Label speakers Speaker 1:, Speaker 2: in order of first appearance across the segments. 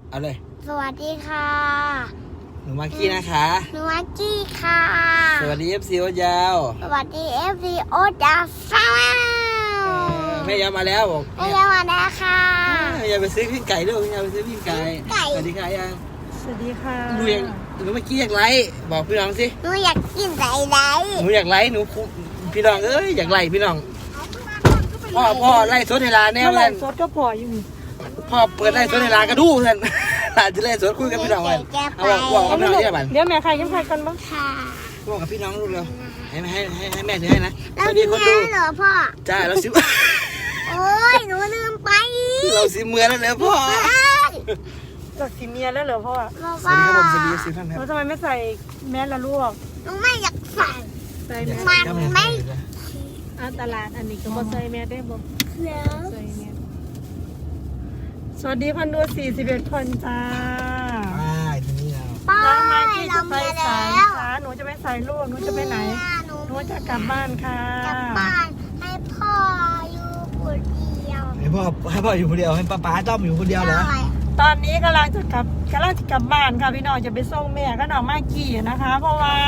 Speaker 1: เอาเลย
Speaker 2: สวัสดีค่ะ
Speaker 1: หนูมากกี้นะคะ
Speaker 2: หนูมากกี้ค่ะ
Speaker 1: สวัสดี FC โอ๊ตยาว
Speaker 2: สวัสดี FC โอ๊ตยาวฟ้า
Speaker 1: แม่ยาวมาแล้วบอก
Speaker 2: แม่ยาวมาแล้วค่ะ
Speaker 1: อย่าไปซื้อปิ้งไก่ด้วยอย่าไปซื้อปิ้งไก่สวัสดีค่ะยัง
Speaker 3: สวัสดีค่ะ
Speaker 1: หนูมากกี้อยากไลฟ์บอกพี่น้องสิ
Speaker 2: หนูอยากกินไหน
Speaker 1: หนูอยากไลฟ์หนูพี่น้องอยากไลฟ์พี่น้องพ่อไล่สดเวลาแน่เล
Speaker 3: เมื่อไหร่
Speaker 1: ย
Speaker 3: สดก็พออยู่
Speaker 1: พ่อเปิดไล่สดเวลากระดูท่านอาจจะไล่สดคุยกับพี่น้องกันเอาบอกกับพี่น้องที่บ้าน
Speaker 3: เดี๋ยวแม่ใครยังใครกันบ้าง
Speaker 2: ค่ะ
Speaker 1: บอกกับพี่น้องลูกเร็วให้แม่ถือให้นะ
Speaker 2: เราซื้อเหรอพ่อ
Speaker 1: จ้าเราซื้อ
Speaker 2: โอ้ยหนูลืมไป
Speaker 1: เราซื้อเมื่อแล้วเหรอพ่อ
Speaker 3: จากสีเมียแล้วเหรอพ่อ
Speaker 1: สวัสดีครับผมสวัสดีสิท่านครับ
Speaker 3: เราทำไมไม่ใส่แมสละลูก
Speaker 2: หนูไม่อยากใส่มันไม่
Speaker 3: ตลาดอันนี้ก็บ่ใส่แมสได้บ่ใส่แมสสวัสดีคนดู41คนจ้า
Speaker 1: ทีนี้เรา
Speaker 3: น้องไมกี้จะไปสายค่ะหนูจะไปสายลูกหนูจะไปไหนหนูจะกลับบ้านค่ะ
Speaker 2: กลับบ้านให้พ่ออยู่คนเดียว
Speaker 1: ให้พ่ออยู่คนเดียวให้ป้าต้อมอยู่คนเดียวเหรอ
Speaker 3: ตอนนี้กำลังจะกลับบ้านค่ะพี่น้องจะไปส่งแม่ก็น้องไมกี้นะคะ เพราะว่า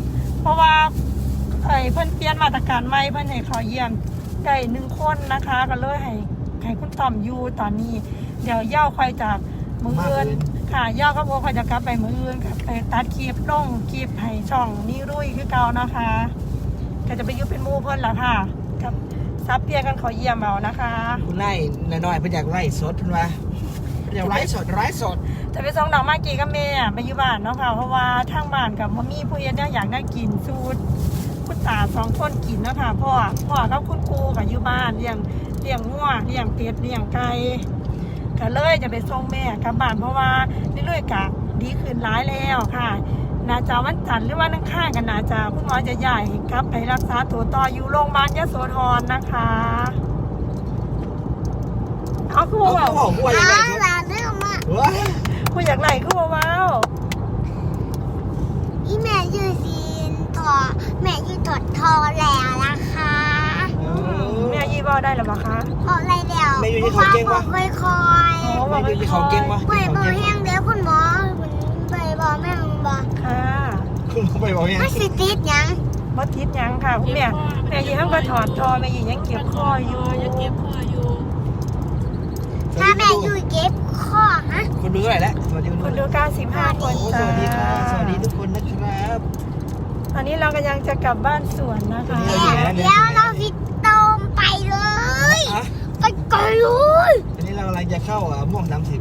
Speaker 3: เพิ่นเปลี่ยนมาตรการใหม่เพิ่นให้ขอเยี่ยมได้1คนนะคะก็เลยให้คุณต่อมอยู่ตอนนี้เดี๋ยวย่าคอยจากมืออื่นค่ะย่าก็บอกคอยจะกลับไปมืออื่นกับไปตัดคลิปลงคลิปให้ช่องนี่รุ่ยคือเก่านะคะก็จะไปอยู่เป็นหมู่เพิ่นล่ะค่ะกับซับเปียกันขอเยี่ยมเอานะคะ
Speaker 1: คุณไล่น้อยๆเพิ่นอยากไล่สดเพิ่นว่าอยากไล่สด
Speaker 3: จะไปส่งน้องมากกี้กับแม่ไปอยู่บ้านเนาะค่ะเพราะว่าทางบ้านกับมีผู้เฮ็ดอยากได้กินสูตรคุณตา2คนกินเนาะค่ะพ่อกับคุณครูกับอยู่บ้านเลี้ยงงัวเลี้ยงเป็ดเลี้ยงไก่ก็เลยจะไปส่งแม่กลับบ้านเพราะว่าเรื่อยๆกะดีขึ้นร้ายแล้วค่ะน่าจะวันจันทร์หรือว่านั่งข้างกันน่าจะคุณหมอจะย้ายกลับไปรักษาตัวต่ออยู่โรงพยาบาลยโสธรนะคะเอาคู่ว่า
Speaker 2: เรื่องมาก
Speaker 3: คู่อยากไหนคู่ว้าว
Speaker 2: อีแม่ยืดซีนถอแม่ยืดถอดทอแล้วนะคะ
Speaker 3: แม่ยี่บอได้หรือเปล่าคะ
Speaker 2: พออะไรเดียว
Speaker 1: แม่อยู่ที่เขาเก่งวะ
Speaker 2: คอย
Speaker 1: แม่อยู่ที่เขาเก่งวะ
Speaker 2: ไปบอกแห้งเดี๋ยวคุณหมอไปบอกแม่บอก
Speaker 3: ค่ะ
Speaker 1: คุณไปบอกยัง
Speaker 2: ไม่สิติดยัง
Speaker 3: บ่ติดยังค่ะคุณแม่ยี่ห้ามก็ถอดทอแม่ยี่ยังเก็บคออยู่
Speaker 2: ถ้าแม่อยู่เก็บข้อฮะ
Speaker 1: คนดูเท่าไหร่แล้วสวัสดี
Speaker 3: คนดู95คน
Speaker 1: สวัสดีค่ะสวัสดีทุกคนนะครับ
Speaker 3: ตอนนี้เรากำลังจะกลับบ้านสวนนะคะ
Speaker 2: เดี๋ยวเราฟิตตมไปเลยไปก่อนเลย
Speaker 1: อันนี้เรากำลังจะเข้าม่วง30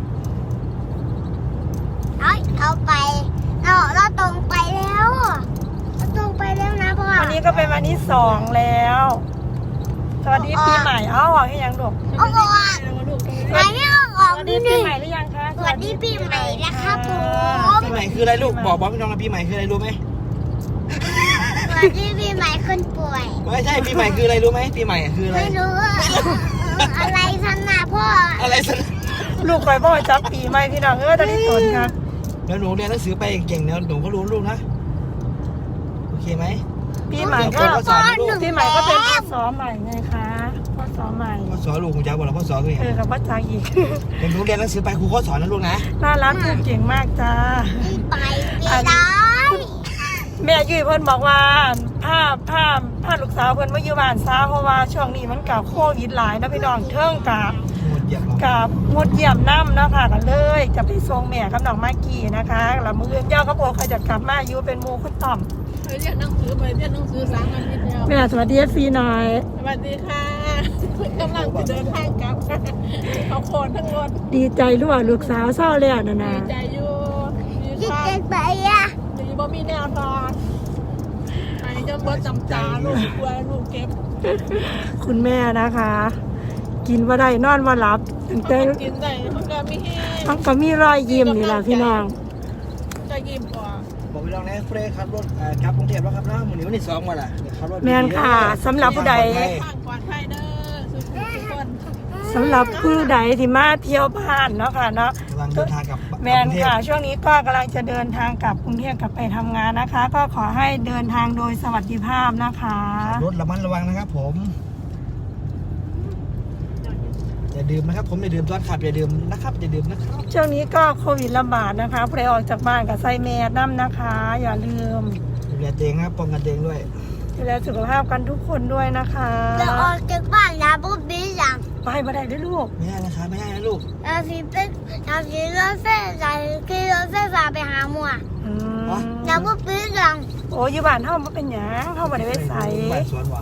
Speaker 2: เอาไปเราตรงไปแล้วนะพ่อ
Speaker 3: วันนี้ก็เป็นวันที่2แล้วสวัสดีปีใหม่เอาออกให้ยังลูก
Speaker 2: เอาออกไม่ออก
Speaker 3: สวัสดีปีใหม่หรือยังคะ
Speaker 2: สวัสดีปีใหม่นะครับผม
Speaker 1: ปีใหม่คืออะไรลูกบอกพี่น้องนะปีใหม่คืออะไรรู้ไหม
Speaker 2: สวัสดีปีใหม่คนป่วย
Speaker 1: ไม่ใช่ปีใหม่คืออะไรรู้ไหมปีใหม่คืออะไร
Speaker 2: ไม่รู้อะไรสันนะพ่อ
Speaker 1: อะไรสัน
Speaker 3: ลูกคอยพ่อจับปีใหม่พี่น้องตอนนี้สนครับ
Speaker 1: แล้วหนูเรียนหนังสือไปเก่งๆเนี่ยหนูก็รู้ลูกนะโอเคไหม
Speaker 3: ปีใหม่ก็ปีใหม่ก็เป็นพ่อสอใหม่ไงคะพ่อสอใหม่
Speaker 1: พ่อสอนลูกคุณยายบอกเราพ่อสอนตัวเอง
Speaker 3: กับพ่อจ๋าอีก
Speaker 1: หนูเรียนหนังสือไปครูก็สอนนะลูกนะ
Speaker 3: น่ารักลูกเก่งมากจ้า
Speaker 2: ไปได้
Speaker 3: แม่ยุ้ยเพิ่นบอกว่าผ้าลูกสาวเพิ่นมาอยู่บ้านซาเพราะว่าช่วงนี้มันกับโควิดหลายนะพี่น้องเทิงกับงดเยี่ยมน้ำนะค่ะกันเลยจะไปส่งแม่กับน้องมากกี้นะคะแล้วมือย่าก็บอกเขาจะกลับมาอยู่เป็นหมู่คุณต่อม
Speaker 4: เรียนหนังสือ3 อาทิตย์แล้ว
Speaker 3: แม่สวัสดีฟีหน่อย
Speaker 4: สวัสดีค่ะกำลังจะเดินทางกลับเขาโคนทั้งรถ
Speaker 3: ดีใจรู้ว่าลูกสาวเศร้าแล้วนะ
Speaker 4: ดีใจอยู่
Speaker 2: ดีใจไปอ่ะ
Speaker 4: ดีบ่มีแนวทางไอ้จะบ่จำจาลูกกลัวลูกเก็บ
Speaker 3: คุณแม่นะคะกินว่าได้นอนว่าหลับ
Speaker 4: แต่กินได้มันก็มี
Speaker 3: มันก็มีรอยยิ้มนี่แหละพี่น้อง
Speaker 4: จะยิ้มกว่า
Speaker 1: บอกพี่น้องนะเฟรย์ขับรถกลับกรุงเทพแล้วครับนะวันนี้2วันละขับรถ
Speaker 3: แม่นค่ะสำหรับผู้ใดสำหรับผู้ใดที่มาเที่ยวบ้านเนาะค่ะเนาะ
Speaker 1: กำลังเดินทางกลับ
Speaker 3: แมนค่ะช่วงนี้ก็กำลังจะเดินทางกลับกรุงเทพกลับไปทำงานนะคะก็ขอให้เดินทางโดยสวัสดิภาพนะคะ
Speaker 1: รถระมัดระวังนะครับผมอย่าดื่มนะครับผมอย่าดื่มตอนขับอย่าดื่มนะครับอย่าดื่มนะครับ
Speaker 3: ช่วงนี้ก็โควิดระบาดนะคะผู้ใดออกจากบ้านก็ใส่แมสน้ำนะคะ อย่าลืม
Speaker 1: ดูแลตัวเองครับป้องกันตัวเองด้วย
Speaker 3: ดูแลสุขภาพกันทุกคนด้วยนะคะ
Speaker 2: จะออกจากบ้านนะปุ๊บบีจัง
Speaker 3: ไปบ่ได้ด้วยลูก
Speaker 1: ไม่ได้นะครับไม่ได้นะลูก
Speaker 2: เราสิเป็นเราสิรถไฟฟ้าขี่รถไฟฟ้าไปหาหมัว
Speaker 3: อืม
Speaker 2: นะปุ๊บบีจัง
Speaker 3: โอ้ยอยู่บ้านเฮาบ่เป็นหยังเฮาบ่ได้ไปใส่
Speaker 1: บ้านสวนว่ะ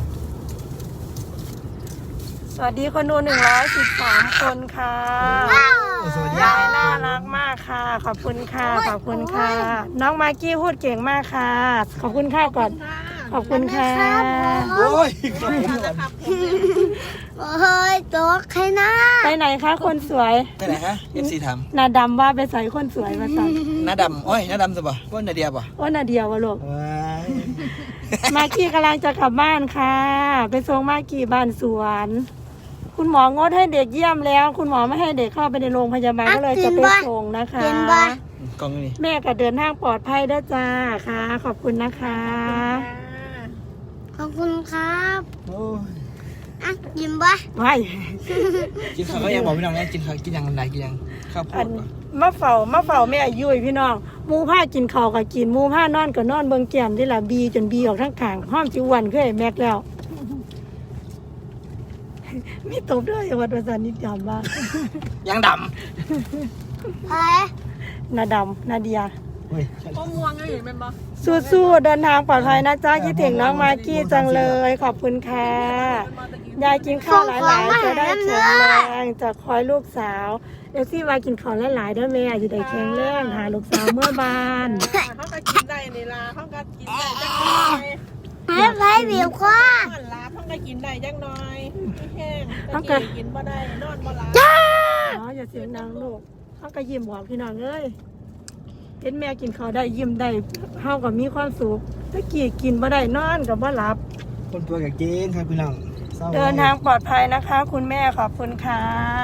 Speaker 3: สวัสดีคนดู113คนค่ะ
Speaker 1: สวัสดี
Speaker 3: ยายน่ารักมากค่ะ ขอบคุณค่ะขอบคุณค่ะ น้องมากกี้พูดเก่งมากค่ะ ขอบคุณค่ะก่อน ขอบคุณค่ะ
Speaker 1: โอ้ยขอบคุณ
Speaker 4: ค่ะ
Speaker 1: ก่อน
Speaker 4: นะครับ
Speaker 2: เฮ้ยตัวใครนะ
Speaker 3: ไปไหนคะคนสวย
Speaker 1: ไปไหนฮะ FC ถาม
Speaker 3: นาดำว่าไปใส่คนสวยมาสั่ง
Speaker 1: หน้าดำอ้อยหน้าดำสิบ่ว่านาเดียบ่
Speaker 3: ว่านาเดียววะลูก
Speaker 1: ว้าย
Speaker 3: มากกี้กำลังจะกลับบ้านค่ะ ไปส่งมากกี้บ้านสวน คุณหมองดให้เด็กเยี่ยมแล้ว คุณหมอไม่ให้เด็กเข้าไปในโรงพยาบาลก็เลยจะไปส่งนะคะ
Speaker 2: กินบ่
Speaker 1: กล้องนี่
Speaker 3: แม่ก็เดินทางปลอดภัยด้วยจ้าค่ะ ขอบคุณนะคะ
Speaker 2: ขอบคุณครับ
Speaker 1: โอ้ย
Speaker 2: อ่ะกินบ่
Speaker 3: ไม่
Speaker 1: กินข้าวก็ยังบอกพี่น้องนะกินข้าวกินยังไงกินยังข้าวโพ
Speaker 3: อั
Speaker 1: ด
Speaker 3: น
Speaker 1: ป่ะ
Speaker 3: มาเฝ้าแม่ยุ้ยพี่น้องหมูผ้ากินข้าวก็กินหมูผ้านอนก็นอนเบิ่งแก้มที่ละบีจนบีออกทั้งขางห้อมจิวันคือไอ้แม็กแล้ว มีตบด้วยวัดประสานนิดยามบ้าง
Speaker 1: ยังด
Speaker 2: เฮ้ย
Speaker 3: นาดำนาเดีย
Speaker 1: ำเฮ้ย
Speaker 4: ก็ม่วงก็เห็นเป็นบ่
Speaker 3: สู้ๆเดินทางปลอดภัยนะจ๊ะคิดถึงน้องมากกี้จังเลย ขอบคุณค่ะยายกินข้าวหลายๆจะได้แข็งแรงจะคอยลูกสาวเดี๋ยวซี่วายกินข้าวหลายๆด้วยแม่จะได้แข็งแรงหาลูกสาวเมื่อบาน
Speaker 4: เขาก็กินได้นี่ล่ะเขาก็กินได้จังน้อย
Speaker 2: ให้ไผ่บิวคว้าน
Speaker 4: อนหลับเขาก็กินได้จังน้อยไม่แห้งตะกี้กินบ่ได้นอนบ่หลับ
Speaker 3: อ๋ออย่าเสียงดังลูกเขาก็ยิ้มบอกพี่น้องเอ้ยเห็นแม่กินข้าวได้ยิ้มได้เฮาก็มีความสุขตะกี้กินบ่ได้นอนก็บ่หลับ
Speaker 1: คนตัวกับเก่งครับพี่น้องศร้
Speaker 3: เดินทางปลอดภัยนะคะ คุณแม่ขอบคุณค่ะ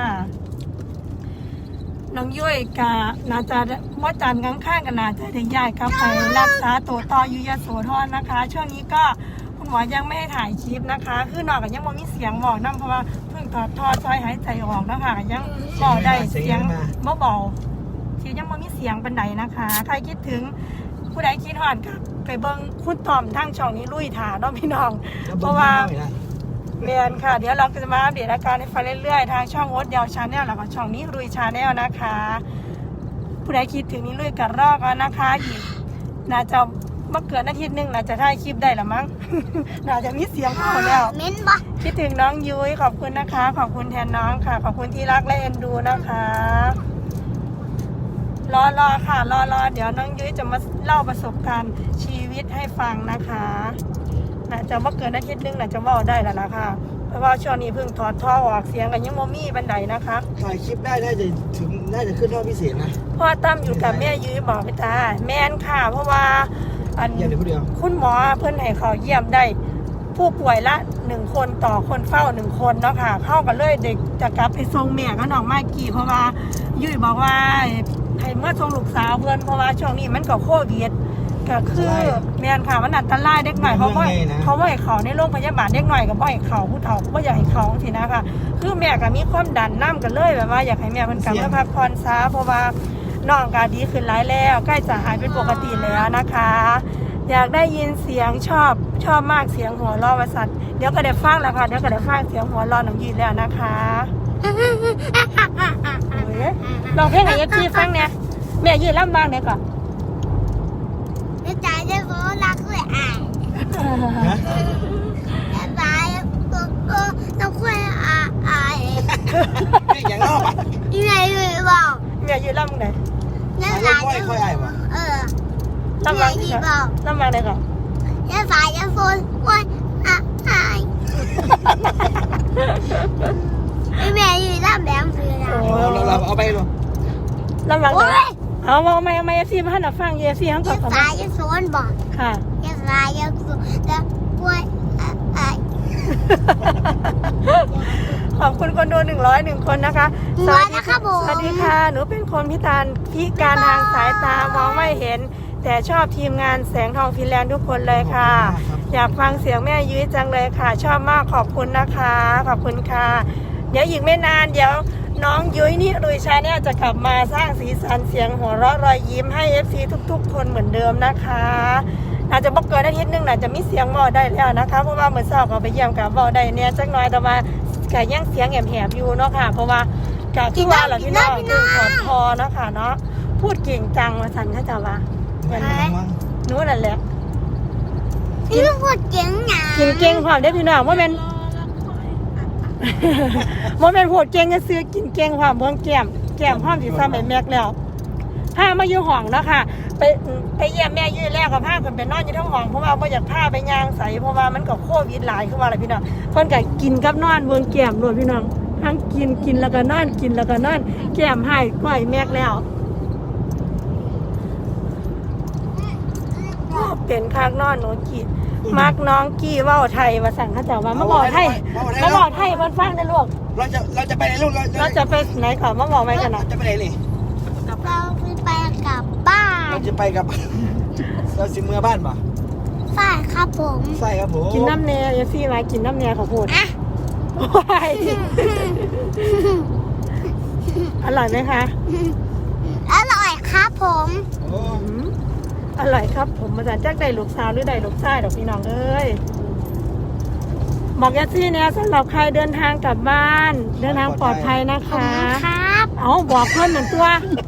Speaker 3: น้องยุ้ยกะนาจะว่าจันทร์ข้างๆกันนาจะได้ย้ายกลับไปรักษาตัวต่ออยู่ยโสธรนะคะ ช่วงนี้ก็คุณหมอยังไม่ให้ถ่ายคลิปนะคะ คือนอกจากยังไม่มีเสียงบอกน้ำเพราะว่าเพิ่งถอดท่อซอยหายใจออกนะคะยังบอกได้เสียงเบาๆที่ยังไม่มีเสียงเป็นไหนนะคะ ใครคิดถึงผู้ใดคิดหอดกับไปเบิ้งคุณตอมทั้งช่องนี้ลุยถาเนาะพี่น้อง เพราะว่าเรียนค่ะ เดี๋ยวเราจะมาอัปเดตอาการให้ฟังเรื่อยๆ ทางช่องโอ๊ตยาวชาแนลแล้วก็ช่องนี้รุยชาแนลนะคะ ผู้ใดคิดถึงนี้ลุยกันรอกแล้วนะคะอีกน่าจะมาเกิดอาทิตย์หนึงน่าจะถ่ายคลิปได้ละมั้ง น่าจะมีเสียงเข้าแล้ว
Speaker 2: เม้นบ่
Speaker 3: คิดถึงน้องยุ้ยขอบคุณนะคะ ขอบคุณแทนน้องค่ะ ขอบคุณที่รักและเอ็นดูนะคะ รอค่ะรอเดี๋ยวน้องยุ้ยจะมาเล่าประสบการณ์ชีวิตให้ฟังนะคะน่าจะว่าเกินอาทิตย์นึงน่าจะเว่าได้แล้วล่ะค่ะเพราะว่าช่วงนี้เพิ่งถอดท่อออกเสียงกันยังโมมี่บันไดนะคะ
Speaker 1: ถ่ายคลิปได้น่าจะขึ้นรอบพิเศษนะ
Speaker 3: พ่อตั้มอยู่กับแม่ยุ้ยบอกไปตาแม่นค่ะ เพราะว่าอัน
Speaker 1: เยี่ยมเดี๋ยวผู้เดียว
Speaker 3: คุณหมอเพิ่นให้เขาเยี่ยมได้ ผู้ป่วยละ1คนต่อคนเฝ้า1คนเนาะค่ะ เข้ากันเลยเด็กจะกลับไปส่งแม่กับน้องมากกี้เพราะว่ายุ้ยบอกว่าให้เมื่อส่งลูกสาวเพื่อนเพราะว่าช่วงนี้มันก็โควิดก็คือแม่นค่ะมันอันตรายเด็กหน่อยเขาไม่ให้เขาในโรงพยาบาลเด็กหน่อยก็ไม่ให้เขาผู้เฒ่าก็อยากให้เขาทีนะคะคือแม่ก็มีความดันน้ำกันเลยแบบว่าอยากให้แม่เพิ่นกลับมาพักผ่อนซะเพราะว่าน้องก็ดีขึ้นหลายแล้วใกล้จะหายเป็นปกติแล้วนะคะ อยากได้ยินเสียงชอบมากเสียงหัวเราะว่าสัตว์เดี๋ยวก็ได้ฟังแล้วค่ะเดี๋ยวก็ได้ฟังเสียงหัวเราะน้องยืนแล้วนะคะลองเพลงให้FGฟังเนี่ยแม่ยืนล่ำบ้างเนี่ยก่อน
Speaker 2: จะจ่ายจะโฟรักเลยอ่ะจะจ่ายก็ต้องคุยอ่ะ
Speaker 1: นี่อย่างนอกอ่ะ
Speaker 2: ยังไงเลยบอก
Speaker 3: แม่ยืนล่ำไหน
Speaker 2: จะจ่ายจะ
Speaker 1: ค่อยไอ้วะ
Speaker 3: ล่ำบ้างเนี่ยล่ำบ้างเนี่ยก่อน
Speaker 2: จะจ่ายจะโฟนคุยอ่ะแม่ยืนรับแบงค์ซื้อนะ
Speaker 1: เราเอาไปดู
Speaker 3: ล่ำบ้างเนี่ยเอาไม่FGมาให้หน่อยฟังFGทั้งก่
Speaker 2: จะ
Speaker 3: อนก่อน
Speaker 2: จ่ายจะโฟนบอก
Speaker 3: ค่ะ
Speaker 2: จะจ่ายจะโฟนจะคุยอ่ะ
Speaker 3: ขอบคุณคนดู101 คนนะคะ
Speaker 2: สวัสดีครับผม
Speaker 3: สวัสดีค่ะ หนูเป็นคนพิการทางสายตามองไม่เห็น แต่ชอบทีมงานแสงทองฟินแลนด์ทุกคนเลยค่ะ อยากฟังเสียงแม่ยุ้ยจังเลยค่ะ ชอบมากขอบคุณนะคะ ขอบคุณค่ะเดี๋ยวอีกไม่นานเดี๋ยวน้องยุ้ยนี่ลุยชาแนลจะกลับมาสร้างสีสันเสียงหัวเราะรอยยิ้มให้ FC ทุกๆคนเหมือนเดิมนะคะอาจจะบอกเกินอาทิตย์นึงน่าจะมีเสียงเบาได้แล้วนะคะเพราะว่าเมื่อเช้าก็ไปเยี่ยมกับเบาได้เนี่ยจักหน่อยแต่ว่าก็ยังเสียงแหบๆอยู่เนาะค่ะเพราะว่าก็คือว่าหล่ะพี่น้องคือขอดคอเนาะค่ะเนาะพูดเก่งจังมาสั่นเขาจะว่านู้นนั่นแหละ
Speaker 2: พี่ลูกพูดเก่งหนา
Speaker 3: กินเก่งความได้พี่น้องว่าแม่นว่าแม่นโหดเก่งก็ซื้อกินเก่งความเบิ่งแก้มห้อมสิซ้ำแบบแม็กแล้วพามาอยู่ห้องเนาะค่ะไปเยี่ยมแม่ยืนแรกกับพาคนไปนอนอยู่ทั้งห้องเพราะว่าบ่อยากพาไปย่างใสเพราะว่ามันก็โควิดหลายคือว่าอะไรพี่น้องเพิ่นก็กินกับนอนเบิ่งแก้มโดดพี่น้องทั้งกินแล้วก็นอนกินแล้วก็นอนแก้มให้ก้อยแม็กแล้วเป็นคักนอนหนูกินมักน้องกี้เว้าไทยว่าสั่งเขาเจ้าว่ามาบอกไทยเพิ่นฟังได้ลูก
Speaker 1: เราจะไปไหนลูก
Speaker 3: เราจะไปไหนขอมาบอกไหมกันนะ
Speaker 1: จะไปไหนนี่
Speaker 2: เราไปกลับบ้าน
Speaker 1: เราจะไปกับเราสิเมื่อบ้านป่ะ
Speaker 2: ใช่ครับผม
Speaker 1: ใช่ครับผม
Speaker 3: กินน้ำเนยเอซี่มากินน้ำเนยเขาพูด
Speaker 2: อ่ะ
Speaker 3: ว้ายอร่อยไหมคะ
Speaker 2: อร่อยครับผม
Speaker 1: โอ้
Speaker 3: อืมอร่อยครับผมมาจากได้ลูกสาวหรือได้ลูกชายดอกพี่น้องเอ้ยบอกเอซี่เนี่ยสำหรับใครเดินทางกลับบ้านเดินทางปลอดภัยนะ
Speaker 2: ขอบ
Speaker 3: คะ
Speaker 2: คุณครับ
Speaker 3: เอาบอกเพื่อนเหมือนตัว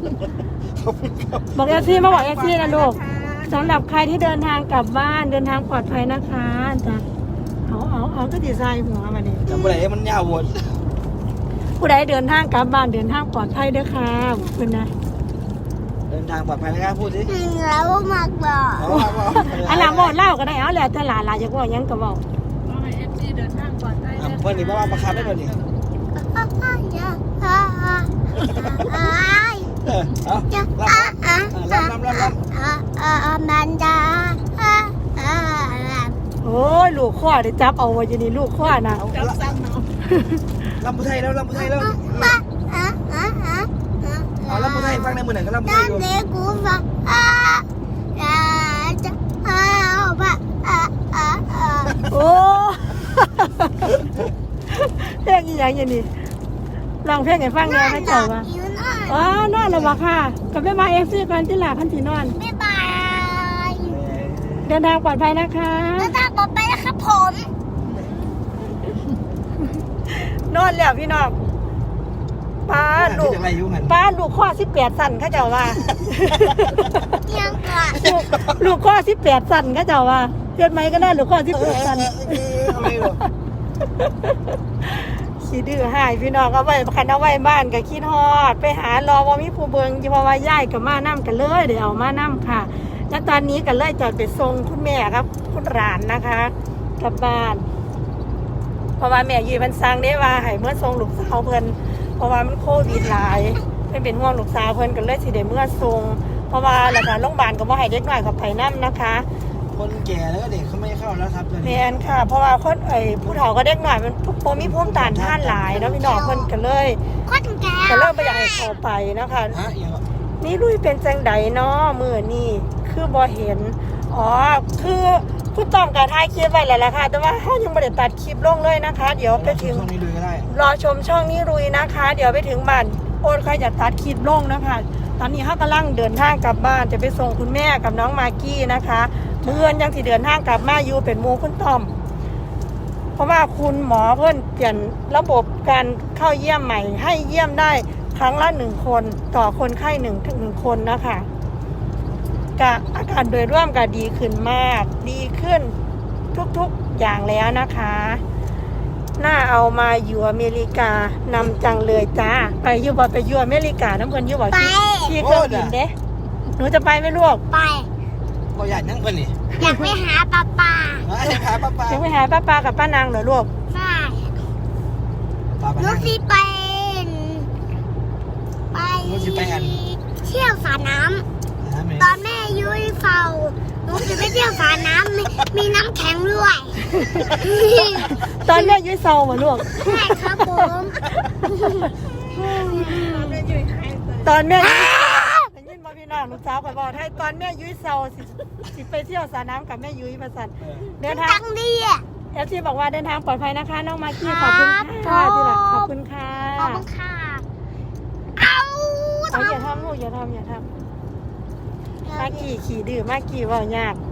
Speaker 3: บอกเอซี่มาบอกเอซี่นะลูกสำหรับใครที่เดินทางกลับบ้านเดินทางปลอดภัยนะคะจ้ะเอาก็ดีไซน์หัวมาเนี่ย
Speaker 1: จำอะไรมันยาววน
Speaker 3: ผู้ใดเดินทางกลับบ้านเดินทางปลอดภัยเด้อค่ะคุณนะ
Speaker 1: เดินทางปลอดภัยนะครับพูดสิ
Speaker 2: แล้วมากบอก
Speaker 3: อันหลังบอกเล่าก็ได้เอาแล้วแต่หลานอยากบอกยังก็บอก
Speaker 4: ก็ให้ FC เดินทางปลอดภัย
Speaker 1: เพื่อนนี่บ้าบังคับได้เพื่อนนี่เอา
Speaker 2: มันดา
Speaker 3: โอ้ยลูกข้อได้จับเอาไว้อยู่นี่ลูกข้อนะ
Speaker 4: จับซ้ำเนาะ
Speaker 1: ลำพูไทยแล้วเอาลำพูไทยฟังในมือหนึ่งก็ลำพูไท
Speaker 2: ด้าย น
Speaker 1: อยู่
Speaker 2: เด็กกูฟังจะ
Speaker 3: โอ้เพลงอีหยังอย่างนี้ลองเพลงให้ฟังเลยให้เจ้าว่าอ๋อนอนแล้วบ่ค่ะกับแม่มาเอฟซีก่อนที่หลาพันธีนอน
Speaker 2: บ๊ายบาย
Speaker 3: เดินทางปลอดภัยนะคะ
Speaker 2: แล้วตาต่อไปนะครับผม
Speaker 3: นอนแล้วพี่น้องป้าลูก
Speaker 1: อะไรอยู่หัน
Speaker 3: ป้าลูกข้อ18สั่นเขาเจ้าว่า
Speaker 2: ยังก่อน
Speaker 3: ลูกข้อ18สั่นเขาเจ้าว่าเฮ็ดไหมก็ได้ลูกข้อ18สั่น
Speaker 1: อะไรหรอ
Speaker 3: ขี้ดื้อหายพี่น้องเอาไว้คันเอาไว้บ้านก็คิดฮอดไปหารอว่ามีผู้เบิงเพราะว่าย้ายกับมานํกันเลยเดี๋ยวเอามานํค่ะ แล้วตอนนี้ก็เลยจอดไปส่งคุณแม่ครับคุณหลานนะคะกลับบ้าน เพราะว่าแม่ยืนมันสั่งได้ว่าให้เมื่อส่งลูกสาวเพิ่นเพราะว่ามันโควิดหลายเป็นห่วงลูกสาวเพิ่นก็เลยสิได้เมื่อส่งเพราะว่าแล้วก็โรงพยาบาลก็บ่ให้เด็กน้อยเข้าไปนํนะคะ
Speaker 1: คนแก่แล้วก็เด็กเขาไม่เข้าแล้วครับ
Speaker 3: แม่นค่ะ เพราะว่าคนผู้เฒ่าก็เด็กน้อยมันบ่มีภูมิต้านทานหลายเนาะพี่น้องเพิ่นก็เลย
Speaker 2: คนแก่
Speaker 3: บ่อยากให้เข้าไปนะคะ
Speaker 1: ฮะอย่าง
Speaker 3: นี่ลุยเป็นจังใดเนาะมื้อนี้คือบ่เห็นอ๋อคือคุณต้องการถ่ายคลิปไว้แล้วล่ะค่ะแต่ว่าเฮายังบ่ได้ตัดคลิปลงเลยนะคะ เดี๋ยวไปถึง
Speaker 1: ช่วงนี้ดูก็ได้
Speaker 3: รอชมช่องนี้รุยนะคะ เดี๋ยวไปถึงบ้านโอนใครจะตัดคลิปลงนะคะ ตอนนี้เขากำลังเดินทางกลับบ้านจะไปส่งคุณแม่กับน้องมากกี้นะคะเมื่อนยังสิเดินทางกลับมาอยู่เป็นหมู่คุณต้อม เพราะว่าคุณหมอเพิ่นเปลี่ยนระบบการเข้าเยี่ยมใหม่ ให้เยี่ยมได้ครั้งละ1 คนต่อคนไข้1 คนนะคะกะอาการโดยร่วมก็ดีขึ้นมาก ดีขึ้นทุกๆอย่างแล้วนะคะน่าเอามาอยู่อเมริกานำจังเลยจ้าไปอยู่บ่ไปอยู่อเมริกาน้ำเพิ่นอยู่บ่ที่เครื่องบินเด้หนูจะไปไหมลูก
Speaker 2: ไป
Speaker 1: ก็อยากนั่งเพื่อนนี่
Speaker 2: อยากไปหาป้าป้า
Speaker 1: อยากหาป้า
Speaker 3: ยังไปหาป้ากับป้านางเหรอลูก
Speaker 2: ใช่
Speaker 1: ป้า
Speaker 2: หนูสิไปเที่ยวสระน้ำตอนแม่ยุ้ยเฝ้าหนูจะไปเที่ยวสระน้ำมีน้ำแข็งด้วย
Speaker 3: ตอนแม่ยุ้ยเซาบ่ลูก
Speaker 2: ใช่ครับผม
Speaker 4: แม่อยู่ใครแต่
Speaker 3: ตอนแม่ได้ยินบ่พี่น้องลูกสาวก็บอกให้ตอนแม่ยุ้ยเซาสิไปเที่ยวสระน้ำกับแม่ยุ้ยมาสั่นเดินทาง
Speaker 2: จังดีอ่ะ
Speaker 3: FC บอกว่าเดินทางปลอดภัยนะคะน้องมากกี้ขอบคุณค่ะที่รักขอบคุณค่ะ
Speaker 2: ขอบคุณค่ะเอา
Speaker 3: อย่าทำลูกอย่าทำมากกี้ขี่ดื้อมากกี้เว่ายาก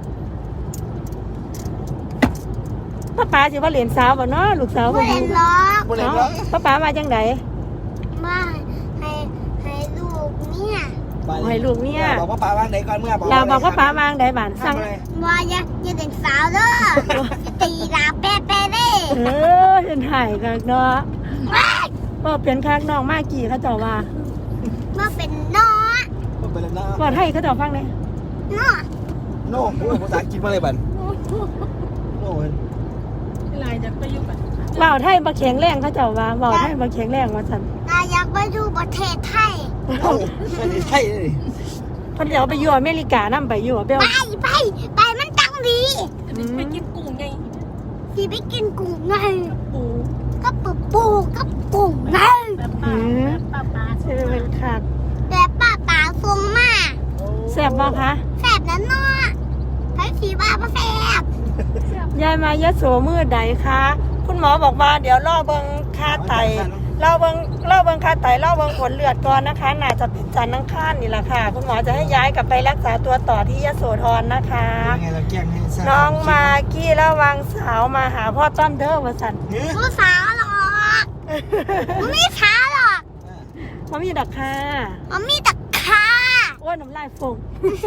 Speaker 3: ป้าสิว่าเหรียญสาวบ่เนาะลูกสาว
Speaker 2: ไม่
Speaker 3: บ่อ
Speaker 2: เห็
Speaker 3: ยู่
Speaker 2: นหรอก
Speaker 1: บ่ได้หรอก
Speaker 3: ป้ามาจังได
Speaker 2: มาให้ลูกเนี่ย
Speaker 3: ให้ลูกเนี่ย
Speaker 1: บอกว่าป้าวางไหนก่อนเมื่อ
Speaker 3: เราบอกว่าป้าวางได้บ้านสั่ง
Speaker 2: ว่าอย่าเด็กสาวเด้อตีลาแป๊ะเด้
Speaker 3: เห็นหายกันเนาะบ่เป็นคักน้องมากกี้เขาเจ้าว่า
Speaker 2: เมื่อเป็นน้อ
Speaker 1: ไปแล้วนะ
Speaker 3: บ่ให้เขาเจ้าฟังได้
Speaker 2: น้อ
Speaker 1: โน่ภาษาอังกฤษมาเลยบันโน่
Speaker 4: ที่ไรจะไปอยู่กับ
Speaker 3: เว้าไทยบ่แข็งแรงเขาเจ้าว่าเว้าไทยบ่แข็งแรงว่าซั่น
Speaker 2: เราอยากไปดูประเทศไทย
Speaker 1: เอ้าไม่ใช่เลย
Speaker 3: เพิ่นจะเอาไปอยู่อเมริกานำไปอยู่เบล
Speaker 2: ไปมันตังดี
Speaker 4: ไปกินกุ้งไง
Speaker 2: สิไปกินกุ้งไง
Speaker 4: ปู
Speaker 2: ก็ปูกับกุ้งไง
Speaker 4: แบบปลา
Speaker 3: ใช่เป็นคัก
Speaker 2: แต่ป้าส่งมา
Speaker 3: แซ่บบ่คะ
Speaker 2: แซ่บนั้นเนาะไผสีบ้าบ่แซ่บ
Speaker 3: ยายมายะโสมือใดคะคุณหมอบอกว่าเดี๋ยวรอเบิ่งค่าไตรอเบิ่งค่าไตรอเบิ่งผลเลือดก่อนนะคะน่าจะเป็นจันทร์อังคารนี่แหละค่ะคุณหมอจะให้ย้ายกลับไปรักษาตัวต่อที่ยโสธรนะคะ
Speaker 1: ยังไงเราแกล้งให้ทราบ
Speaker 3: น้องมากกี้ระวังสาวมาหาพ่อต้อมเด้อว่าซั่น
Speaker 2: ผู้สาวหรอกมันไม่สาวหรอก
Speaker 3: บ่มีดอกค่ะ
Speaker 2: มันมีแต่ขา
Speaker 3: โอ้ยน้ำลายฟง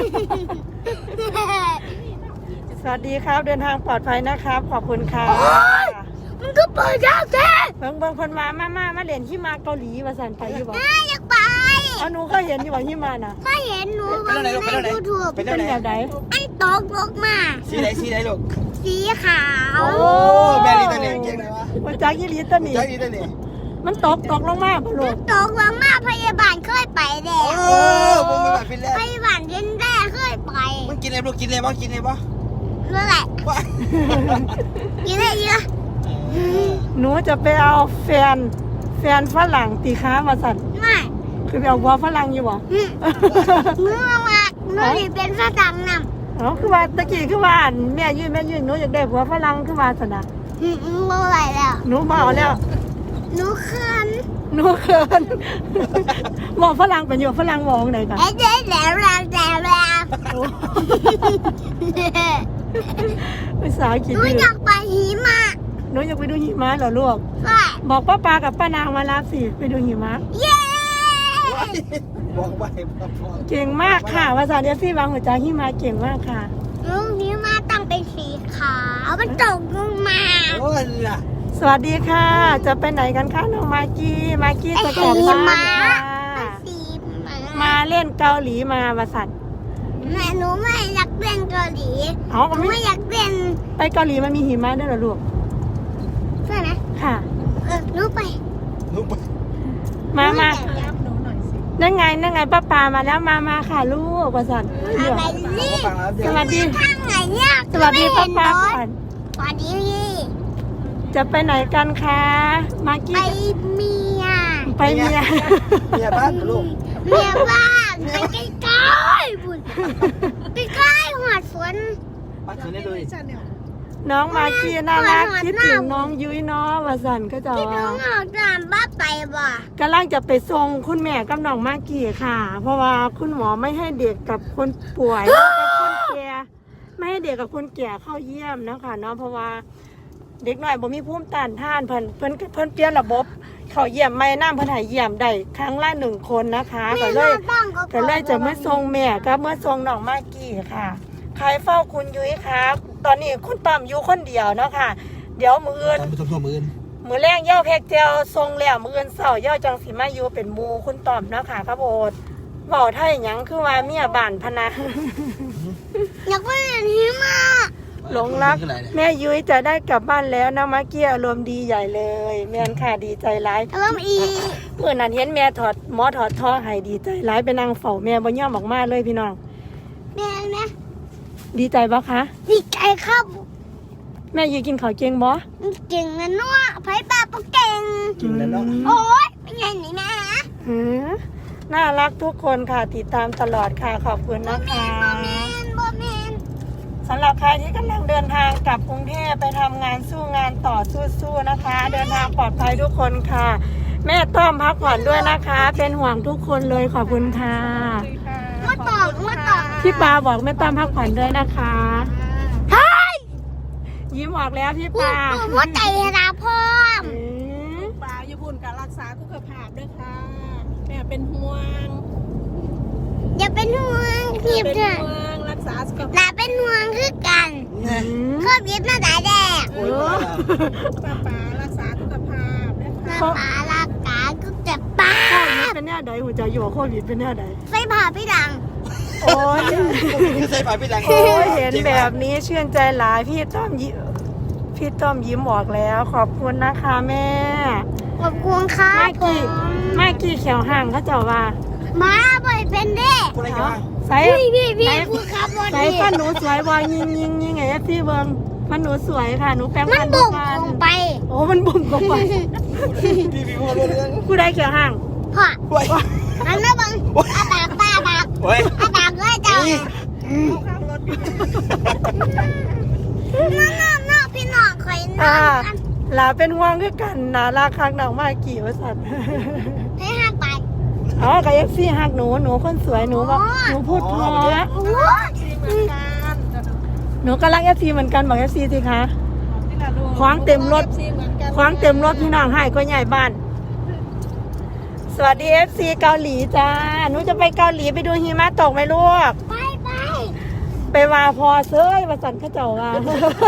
Speaker 3: สวัสดีครับเดินทางปลอดภัยนะครับขอบคุณค่ะ
Speaker 2: มันก็เปิดยากแท้
Speaker 3: เบิ่งคนมาเรียนที่มาเกาหลีว่าซั่นไปอยู่บ่
Speaker 2: อยากไป
Speaker 3: เอาหนูเคยเห็นอยู่บ่ที่มาน่ะ
Speaker 2: ถ้าเห็นหนูบนในยูทูบ
Speaker 1: เป็น
Speaker 3: เป็น
Speaker 1: ไหน
Speaker 3: แบบไหน
Speaker 2: อันตกลงมา
Speaker 1: สีไหนลูก
Speaker 2: สีขาว
Speaker 3: โอ้
Speaker 1: แม่ลีตัวนี้เก่งเลยวะ
Speaker 3: มาจากยี่ลีตัวนี้
Speaker 1: ใจดีตัวนี้
Speaker 3: มันตกลงมาบ่ลูก
Speaker 2: ตกลงมาพยาบาลเคยไปแล้
Speaker 1: โอ้
Speaker 2: ว
Speaker 1: มึงแบบเป็นแล้ว
Speaker 2: พยาบาลเย็นแร่เคยไป
Speaker 1: มึงกินอะไรลูกกินอะไรบ้างกินอะไรบ้าง
Speaker 2: นั่นแหละกินได้เยอะ
Speaker 3: หนูจะไปเอาแฟนฝรั่งตีค้ามาสั่น
Speaker 2: ไม่
Speaker 3: คือไปเอาวัวฝรั่งอยู่บ่
Speaker 2: เมื่อมาเมื่อที่เป็นฝรั่งน
Speaker 3: อ๋อคือว่าตะกี้คือว่าอันแม่ยืนหนูอยากได้วัวฝรั่งคือว่าสนะ
Speaker 2: ำเมื่อไหรแล้ว
Speaker 3: หนูมาเอาแล้ว
Speaker 2: หนูเขิน
Speaker 3: หนูเขินบอกฝรั่งเป็นอยู่ฝรั่งมองไหนกัน
Speaker 2: เอ๊ะแล้ว
Speaker 3: ภาษาอังกฤษ
Speaker 2: หนู
Speaker 3: ดื้อ
Speaker 2: อยากไปหิมะ
Speaker 3: หนูอยากไปดูหิมะเหรอลูก
Speaker 2: ใช่
Speaker 3: บอกป้าปากับป้านางมารับสิไปดูหิมะ
Speaker 2: เย้
Speaker 1: บอกไปพ่อ
Speaker 3: เก่งมากค่ะภาษาเดียซี่วางหัวใจหิมะเก่งมากค่ะ
Speaker 2: ลูกหิมะตั้งเป็นสีขาวมันตกลงมา
Speaker 1: โอ้ยล่ะ
Speaker 3: สวัสดีค่ะ จะไปไหนกันคะน้องมากกี้จะกลับบ้านค่ะ
Speaker 2: สี
Speaker 3: มาเล่นเกาหลีมาวาสัน
Speaker 2: แม่หนูไม่อยากเล่นเกาหลี
Speaker 3: เอา
Speaker 2: หนูไม่อยากเล่น
Speaker 3: ไปเกาหลีมันมีหิมะด้วยเหรอลูก
Speaker 2: ใช่ไหม
Speaker 3: ค่ะ
Speaker 2: หนูไป
Speaker 1: ลูกไป
Speaker 3: มา
Speaker 4: ยับหนูหน่อยสิ
Speaker 3: นั่งไงป้ามาแล้วมาค่ะลูกวาสัน
Speaker 2: อะไรนี่
Speaker 1: ฟังแล้วเดี๋
Speaker 3: ส
Speaker 1: ยว
Speaker 3: วัสดี
Speaker 2: ทางไหนเนี่ย
Speaker 3: สวัสดีป้า
Speaker 2: ก่
Speaker 3: ก่
Speaker 2: อ
Speaker 3: อน น
Speaker 2: สวัสดี
Speaker 3: จะไปไหนกันคะมาก
Speaker 2: ไป
Speaker 3: กี้
Speaker 2: เมีย
Speaker 3: ไปเมีย
Speaker 1: เมียบ้านลูก
Speaker 2: เมียบ้านไปใกล้ๆบุญไปใกล้หัวสวน
Speaker 1: บ้านเธอได้ดูดิ
Speaker 4: ฉันเนี่ย
Speaker 3: น้องมากกี้น่ารักคิดถึงน้องยุ้ยน้อวาสันก็จะ
Speaker 2: ที่น้
Speaker 3: ว่า
Speaker 2: องเอาตามบ้าไปบ่
Speaker 3: กำลังจะไปส่งคุณแม่กับน้องมากกี้ค่ะ เพราะว่าคุณหมอไม่ให้เด็กกับคนป่วยแล้วก็คนแก่ไม่ให้เด็กกับคนแก่เข้าเยี่ยมนะคะเนาะเพราะว่าเด็กหน่อยบ่มีภูมิต้านทานเพิ่นเปลี่ยนระบบเขาเยี่ยมไม่น้ำเพิ่นให้เยี่ยมได้ครั้งละ1 คนนะคะก็เลยจะมาส่งแม่กับเมื่อส่งน้องมากกี้ค่ะใครเฝ้าคุณยุ้ยครับตอนนี้คุณต้อมอยู่คนเดียวเนาะค่ะเดี๋ยวมื้ออื่น
Speaker 1: ตามไปทั่วมือ
Speaker 3: มือแรงย่อแพกเจลทรงแล้วมืออื่นเสาย่อจังสีมาอยู่เป็นหมูคุณตอมเนาะค่ะครับโอดเบาไทยหยังคือว่าเมียบ้านพะนะ
Speaker 2: อยากไปเห็นหิมะ
Speaker 3: หลงรักแม่ยุ้ยจะได้กลับบ้านแล้วนะมาเกี้ยอารมณ์ดีใหญ่เลย แม่นค่ะดีใจร้าย
Speaker 2: เริ่มอี
Speaker 3: เมื่อนั้นเห็นแม่หมอถอดท่อให้ดีใจร้ายไปนั่งเฝ้าแม่บ่ย่อมออกมาเลยพี่น้อง
Speaker 2: แม่นะ
Speaker 3: ดีใจบ่คะ
Speaker 2: ดีใจครับ
Speaker 3: แม่ยุ้ยกินข้าวเก่งบ่
Speaker 2: เก่งนะนัวไผ่ปลาปเก่ง
Speaker 1: กินแล้วเนาะ
Speaker 2: โอ๊ยเป็นไงนี่แม่
Speaker 3: หือน่ารักทุกคนค่ะติดตามตลอดค่ะขอบคุณนะคะ
Speaker 2: บอแมน
Speaker 3: สสำหรับใครที่กำลังเดินทางกลับกรุงเทพไปทำงานสู้งานต่อสู้ๆนะคะ เดินทางปลอดภัยทุกคนค่ะ แม่ต้อมพักผ่อนด้วยนะคะ เป็นห่วงทุกคนเลยขอบคุณค่ะ
Speaker 2: มาตอบ
Speaker 3: พี่ปาบอกแม่ต้อมพักผ่อนด้วยนะคะ
Speaker 2: เฮ้ย
Speaker 3: ยิ้มออกแล้วพี่
Speaker 2: กู
Speaker 3: ปา
Speaker 2: หัวใจนะพ่อม
Speaker 4: ปลาญี่ปุ่นการรักษาสุขภาพด้วยค่ะแม่เป็นห่วง
Speaker 2: อย่าเป็นห่วงพี่
Speaker 4: เป็น
Speaker 2: เถอะ
Speaker 4: ห่วงรักษาสุข
Speaker 2: หลา
Speaker 4: ภาพ
Speaker 2: เป็นห่วงคือกัน
Speaker 1: เนี่ย
Speaker 2: เคยบิดมาแต่แดก
Speaker 1: โอ้ย
Speaker 4: ป้ารักษาสุขภาพนะ
Speaker 2: มา
Speaker 4: คะ
Speaker 2: ปาลักกาก็จะป้า
Speaker 3: โควิดเป็นแน่ใดหัวใจอยู่กับโควิดเป็นแน่ใด
Speaker 2: ใส่ผ่าพี่ดัง
Speaker 3: โอ้ย
Speaker 1: ใส่ปากพี่ดัง
Speaker 3: โอ้ยเห็นแบบนี้ชื่นใจหลายพี่ต้อมยิ้มออกแล้ว ขอบคุณนะคะแม่
Speaker 2: ขอบคุณครับ
Speaker 3: ไม่กี่เขียวห่างเขาเจ้าว่า
Speaker 2: มาบ่อยเป็นเด้
Speaker 1: คนอะไรกันวะ
Speaker 3: ใส่
Speaker 2: พี่คุณครับวัน
Speaker 3: ใส่
Speaker 2: นี้
Speaker 3: ฟันหนูสวยวอยยิงไงพี่เบิงฟันหนูสวยค่ะหนูแปรง
Speaker 2: มั
Speaker 3: ฟั
Speaker 2: น
Speaker 3: น
Speaker 2: บุ่ม
Speaker 3: กั
Speaker 2: ลงไป
Speaker 3: โอ้มันบุ่มลงไป
Speaker 1: พี่พูดเรื่อง
Speaker 3: ผู้ใดเขียวห่าง
Speaker 2: พ่อ
Speaker 1: โอ้ย
Speaker 2: มันไม่บังอาปากป้าปาก
Speaker 1: โอ้ย
Speaker 2: อาปากเลยเจ้า
Speaker 4: ข้างรถ
Speaker 2: น้องพี่น้องคอยน้
Speaker 3: อ่า
Speaker 2: องกัน
Speaker 3: หลาเป็นห่วงคือกันนะราคาหนังมากกี่ว่าสัตว์
Speaker 2: ให้หักไป
Speaker 3: อ๋อกับเอฟซีหักหนูคนสวยหนูบอกหนูพูดเพราะ
Speaker 2: โอ้ย
Speaker 4: เหมือนกัน
Speaker 3: หนูก็รักเอฟซีเหมือนกันบอกเอฟซีสิคะ คว้างเต็มรถ คว้างเต็มรถพี่น้องให้ก็ใหญ่บ้าน สวัสดีเอฟซีเกาหลีจ้าหนูจะไปเกาหลีไปดูหิมะตกไหมลูก
Speaker 2: ไป
Speaker 3: ไปว่าพอเซ้ยมาสั่นเข้าเจ้าว่า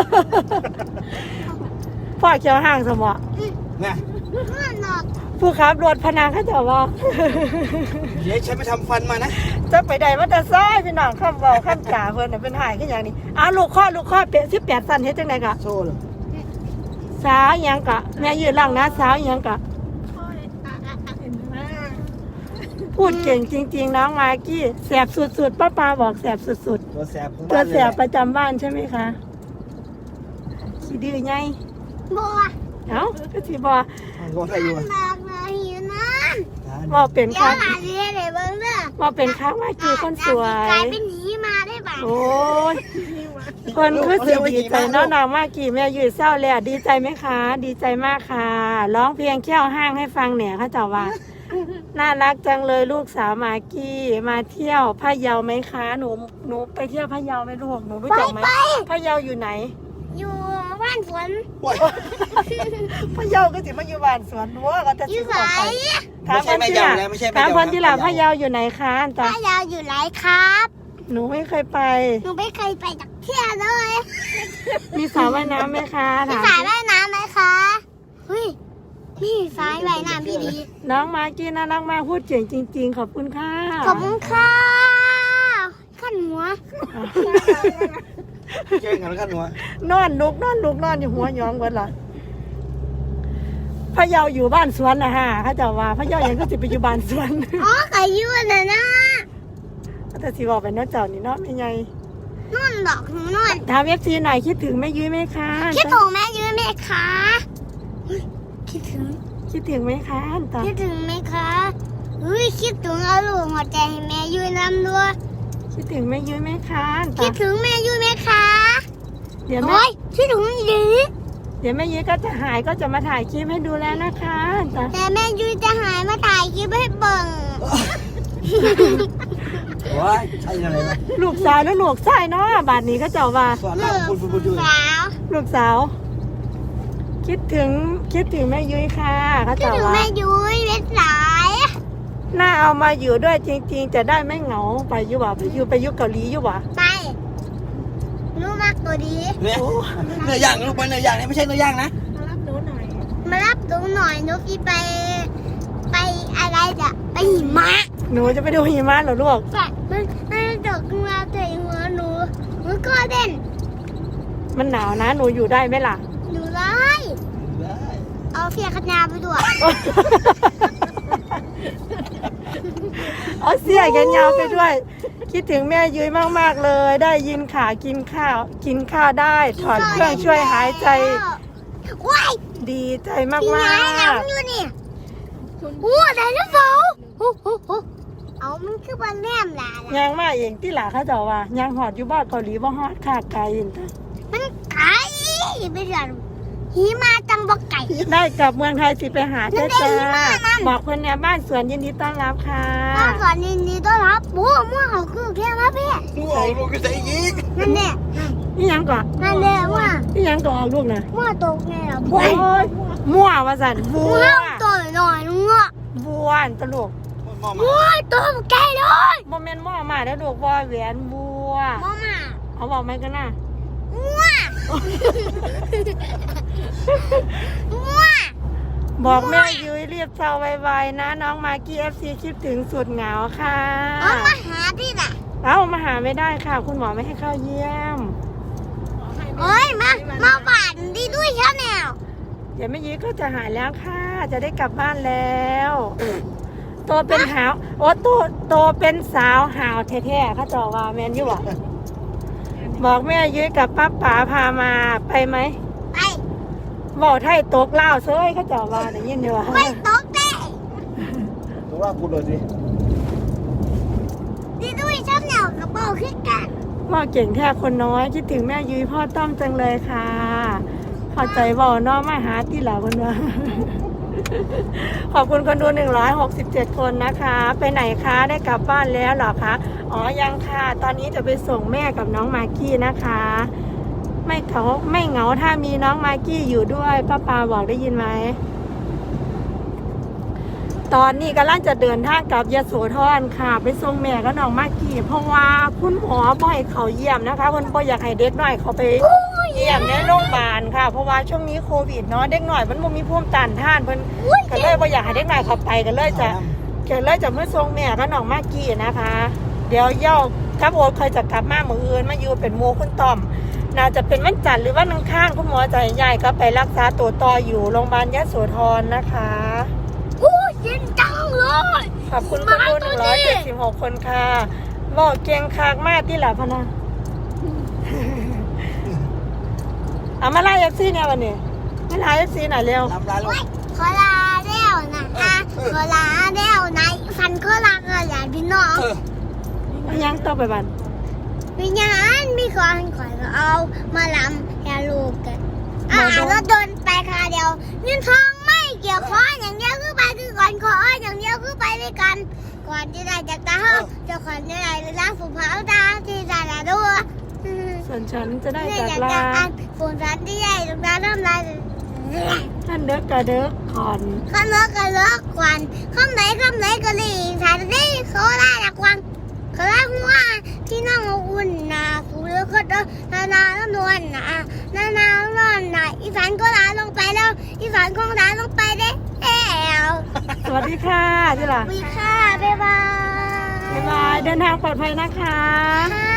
Speaker 3: พ่อเขียวห่างสมอ
Speaker 1: เนี่ย
Speaker 2: เพื่อนหนอก
Speaker 3: ผู้ขับรถพนังเข้าเจ้าว่า
Speaker 1: เดี๋ยวฉันไปทำฟันมานะ
Speaker 3: จะไปใดว่าแต่ซ้ายพี่น้องข้ามเบาข้ามจ่าเพิ่นน่ะเป็นหายขึ้นอย่างนี้อ้าวลูกข้อเป็ด18สั่นเฮ็ดจังไดกะ
Speaker 1: โซ่เลย
Speaker 3: สาวอิหยังกะแม่ยืนหลังนะสาวอิหยังกะ
Speaker 4: เห็นไหม
Speaker 3: พูดเก่งจริงๆน้องมากกี้แสบสุดๆป้าบอกแสบสุด
Speaker 1: ตัวแสบของ
Speaker 3: ๆตัว
Speaker 1: บ้าน
Speaker 3: แส
Speaker 1: เลย
Speaker 3: บประจำบ้านใช่ไหมคะขี้ดื้อไง
Speaker 2: บัว
Speaker 3: เอ้าก็สิบ่
Speaker 1: ก็ไทยอยู่
Speaker 2: หนักเลยหิวน้ำ
Speaker 3: บ่เป็น
Speaker 2: เดี๋ยว
Speaker 3: ค่ะ
Speaker 2: หลานเรียนเลยเบิ้งเด้อ
Speaker 3: บ่เป็นค่ะมากกี้คนสว
Speaker 2: กลาย ยเป็นหีมาได้ป่ะ
Speaker 3: โอ้ยคนคือสิดีใจน้องๆมากกี้แม่ยืดเศร้าแล้วดีใจไหมคะ ดีใจมากค่ะร้องเพลงแค่วห้างให้ฟังเนี่ยเขาเจ้าว่า น่ารักจังเลยลูกสาวมากกี้มาเที่ยวพะเยาไหมคะหนูไปเที่ยวพะเยาไหมลูกหนูรู้จักไหมพะเยาอยู่ไหน
Speaker 2: อยู่บ้านฝน
Speaker 1: โอ้ย
Speaker 3: พะเยาก็สิมาอยู่บ้านสวนรั้วก็จะ
Speaker 2: อ
Speaker 3: สิ
Speaker 2: ยู่
Speaker 3: ข
Speaker 2: ไหน
Speaker 3: อไป
Speaker 1: ไม่ใช่แม่ยาวแล้วไม่ใช่แม่
Speaker 3: ถาม
Speaker 1: ยาว
Speaker 3: คนที่หลับพะเยาอยู่ไหนคะอันตา
Speaker 2: ป้ายาวอยู่ไหนครับ
Speaker 3: หนูไม่เคยไป
Speaker 2: หนูไม่เคยไปจากเที่ยวเลย
Speaker 3: มีสระว่ายน้ำไหมคะ
Speaker 2: มี
Speaker 3: ถาม
Speaker 2: สายว่ายน้ำไหมคะเฮ้ยมีสายว่ายน้ำพี่ดี
Speaker 3: น้องมากกี้น่ารักมากพูดเก่งจริง ๆ ขอบคุณค่ะ
Speaker 2: ขอบคุณค่ะขั้นหัว
Speaker 1: เก่งกันแล้วกันหนู
Speaker 3: นอนลุกนอนอยู่หัวหยองเบิดล่ะพะเยาอยู่บ้านสวนนะฮะเขาเจะว่าพะเยายังก็สิไปอยู่บ้านสวน
Speaker 2: อ๋อไก่ยืนนะนะ
Speaker 3: แต่สิบอกไปเนาะเจ้านี่เนาะไม่ไง
Speaker 2: นุ่นดอกหนูนุ่น
Speaker 3: ถามเอฟซีหน่อยคิดถึงแม่ยุ้ยไหมคะ
Speaker 2: คิดถึงแม่ยืนไหมคะเฮ้ยคิดถึง
Speaker 3: คิดถึงไหมคะอันตา
Speaker 2: คิดถึงไหมคะเฮ้ยคิดถึงเอาลูกหัวใจให้แม่ยืนนำด้วย
Speaker 3: คิดถึงแม่ยุ้ยไหมคะอัน
Speaker 2: คิ
Speaker 3: ตา
Speaker 2: ดถึงแม่ยืนไหมคะ
Speaker 3: เดี๋ยวแม่
Speaker 2: โอ้ยคิดถึงดี
Speaker 3: เดี๋ยวแม่ยุ้ยก็จะหายก็จะมาถ่ายคลิปให้ดูแล้วนะคะอันตา
Speaker 2: แต่แม่ยืนจะหายมาถ่ายคลิปให้เบิ่ง
Speaker 1: โอ้ยใช่อะไรวะ
Speaker 3: ลูกสาวแล้วลูกชายเนาะบาดนี้ก็เจ้าว่า
Speaker 1: สอนเราพูดอยู่
Speaker 2: สาว
Speaker 3: ลูกสาว คิดถึงแม่ยุ้ยค่ะเขา
Speaker 2: คิด
Speaker 3: เจ้า
Speaker 2: ถึง
Speaker 3: ว่า
Speaker 2: แม่ยุ้ยเล็ดสาย
Speaker 3: น่าเอามาอยู่ด้วยจริง ๆ จะได้ไม่เหงาไปอยู่บ่ไปอยู่เกาหลีอยู่บ่
Speaker 2: ไปรู้มากตัวดี
Speaker 1: เนี่ยเนื้อย่างลูกไปเนื้อย่างนี่ไม่ใช่เนื้อย่างนะ
Speaker 4: มารับหนูหน่อย
Speaker 2: มารับหนูหน่อยหนูพี่ไปอะไรจ้ะไปหิมะ
Speaker 3: หนูจะไปดูหิมะเหรอลูก
Speaker 2: ไปมันตกมาใส่หัวหนูก็เด่น
Speaker 3: มันหนาวนะหนูอยู่ได้ไหมล่ะ
Speaker 2: หนูเลย
Speaker 1: ได้
Speaker 2: เอาเสียขนาไปด้วย
Speaker 3: เอาเสียกันยาวไปด้วย คิดถึงแม่ยุ้ยมากๆเลย ได้ยินข่าวกินข้าวได้ ถอดเครื่องช่วยหายใจ
Speaker 2: ว้าย
Speaker 3: ดีใจม
Speaker 2: พี่
Speaker 3: า
Speaker 2: ไงหนั
Speaker 3: ก
Speaker 2: งอยู่นี่โอ้ไดโนเสาร์โอ้เอามันคือบ้านแนมล่ะ
Speaker 3: ยางมาเองที่หล่ะเขาเจ้าว่ายางหอดอยู่บ้านเกาหลีบ่ฮอดค่ะไกลอินเตอร์
Speaker 2: มันไก่ไปเถอะหิมาจังบ่ไก่
Speaker 3: ได้กลับเมืองไทยสิไปหาเจ้า
Speaker 2: นั่
Speaker 3: จ้าน
Speaker 2: เองนั่น
Speaker 3: บอกเพิ่นเนี่ยบ้านสวนยินดีต้อนรับค่ะ
Speaker 2: บ้านก่อนนี่ต้อนรับบัวมั่วเขาคือแค่มาเพ่
Speaker 1: งูออกลูกก็ใส่อีก
Speaker 2: นั่นแน่
Speaker 3: นี่ยังก่อน
Speaker 2: นั่นแน่ว่า
Speaker 3: นี่ยังก่อนลูกนะ
Speaker 2: มั่วตกแน่ละบั
Speaker 3: โอ้
Speaker 2: วย
Speaker 3: มั่วว่าสันบั
Speaker 2: มั่
Speaker 3: ว
Speaker 2: วตัวหน่อยงัว
Speaker 3: บัวอันตลก
Speaker 1: มอมา
Speaker 2: มั่วตัวแก่เลย
Speaker 3: โมเมนต์มั่วมาแล้วลูกวอแหวนบัว
Speaker 2: มั่วมา
Speaker 3: เอาบอกไหมกันนะ
Speaker 2: มั่วมั่ว
Speaker 3: บอกแม่ยุ้ยรีบเศร้าไวๆนะน้องมากกี้ FC คิดถึงสุดเหงาค่ะ
Speaker 2: เอามาหาที่ไหน
Speaker 3: เอ้ามาหาไม่ได้ค่ะ คุณหมอไม่ให้เข้าเยี่ยม
Speaker 2: เอ้ยมาบ้านดีด้วยชาแนล
Speaker 3: เดี๋ยวแม่ยุ้ยก็จะหายแล้วค่ะ จะได้กลับบ้านแล้วโตเป็นหาวโอ้โตเป็นสาวหาวแท้ๆเขาจอว่าแมนอยู่บ่บอกแม่ยุ้ยกับป้าป๋าพามาไปไหม
Speaker 2: ไป
Speaker 3: บอกไทยตกเล่าวเซ้ยเขาจอว่าได้ยินอยู่ว่า
Speaker 2: ไปตกเต้
Speaker 1: ดูว่ากูเลยสิ
Speaker 2: ดีด้วยชาแนลกับเบาขึ้นกัน
Speaker 3: ว่าเก่งแท้คนน้อยคิดถึงแม่ยุ้ยพ่อต้อมจังเลยค่ะเข้าใจบอกน้องมาหาที่หลังคนว่า ขอบคุณคนดู167 คนนะคะ ไปไหนคะได้กลับบ้านแล้วเหรอคะอ๋อยังค่ะตอนนี้จะไปส่งแม่กับน้องมากกี้นะคะ ไม่เหงาถ้ามีน้องมากกี้อยู่ด้วยป้าปาบอกได้ยินไหมตอนนี้กำลังจะเดินทางกลับยโสธรค่ะไปส่งแม่กับน้องมากกี้เพราะว่าคุณหมอบ่อยเขาเยี่ยมนะคะเพิ่นบ่อยากให้เด็กน้อยเขาไปเยี่ยมในโรงพยาบาลค่ะเพราะว่าช่วงนี้โควิดเนาะเด็กน้อยมันบ่มีภูมิต้านทานเพิ่นก็เลยบ่อยากให้เด็กน้อยเขาไปก็เลยจะเมื่อส่งแม่กับน้องมากกี้นะคะ เดี๋ยวเย้ากับโอ๊ตเคยจะกลับมามื้ออื่นมาอยู่เป็นหมู่คุณต้อมน่าจะเป็นวันจันทร์หรือวันอังคารคุณหมอจะย้ายก็ไปรักษาตัวต่ออยู่โรงพยาบาลยโสธรนะคะ
Speaker 2: อู้เย็นจังเลย
Speaker 3: ขอบคุณคนดู176 คนค่ะบอกเกียงคากมากที่หลับพะนะเอามาไล่FCเนี่ยวันนี้มาไล่FCหน่อยเร็ว
Speaker 1: ลำลาลูก
Speaker 2: ขอลาแล้วนะขอลาแล้วนะฟันขอลาก็อย่าพี่น้อง
Speaker 3: ยังต่อไปบัน
Speaker 2: วิญญาณมีคนขอยก็เอามาลำแฮลูกกันแล้วโดนไปคาเดียวเงินทองไม่เกี่ยวข้องอย่างเดียวคือไปคือก่อนขออย่างเดียวคือไปด้วยกันก่อนที่ได้จากตาเฮาจะขอนได้ล้างฝูเผาตาที่ได้ละด้วย
Speaker 3: ส่วนฉันจะได้
Speaker 2: เนี่ย
Speaker 3: จาก
Speaker 2: อยาก
Speaker 3: ลา
Speaker 2: จะอ่านฝูสันที่ใหญ่ตรงนั้นเริ่มลาย
Speaker 3: ท่านเด็กกระเด็กขอน
Speaker 2: ข้าเลิกก็เลิกควันข้ามไหนก็หลีกสายได้เขาได้ละควันเขาได้หัวที่นั่งอุ่นนะฟูแล้วก็เดินนาแล้วนวลนะนอนนะอีสานก็ลาลงไปแล้วอีสานคงลาลงไปได้แล้ว
Speaker 3: สวัสดีค่ะที่หลัง
Speaker 2: วีค่ะบ๊ายบาย
Speaker 3: บ๊ายบายเดินทางปลอดภัยนะคะ
Speaker 2: ค่ะ